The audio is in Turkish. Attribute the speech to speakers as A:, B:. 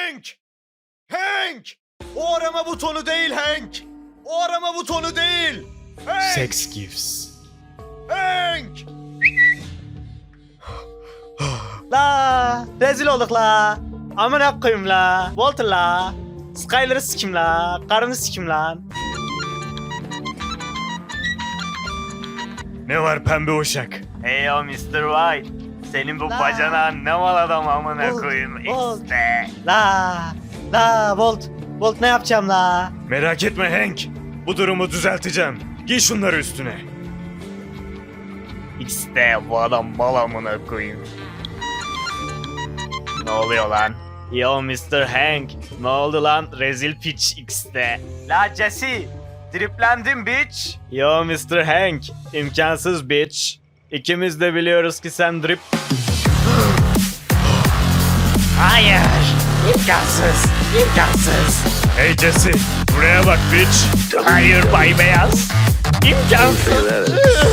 A: Hank! Hank! O arama butonu değil Hank! O arama butonu değil! Hank!
B: Sex gives.
A: Hank!
C: La rezil olduk la. Amına koyayım la. Walter la. Skyler'ı sikim la. Karını sikim lan.
A: Ne var pembe uşak?
C: Hey o Mr. White. Senin bu bacanağın ne mal adam amına koyayım işte. La Volt ne yapacağım la?
A: Merak etme Hank. Bu durumu düzelteceğim. Giy şunları üstüne.
C: İşte bu adam mal amına koyayım. Ne oluyor lan? Yo Mr. Hank. Ne oldu lan? Rezil piç X'te. La Jesse. Driplendim bitch. Yo Mr. Hank. İmkansız bitch. İkimiz de biliyoruz ki sen drip... Hayır. İmkansız. İmkansız.
A: Hey Jesse, buraya bak bitch.
C: Hayır Bay Beyaz. İmkansız.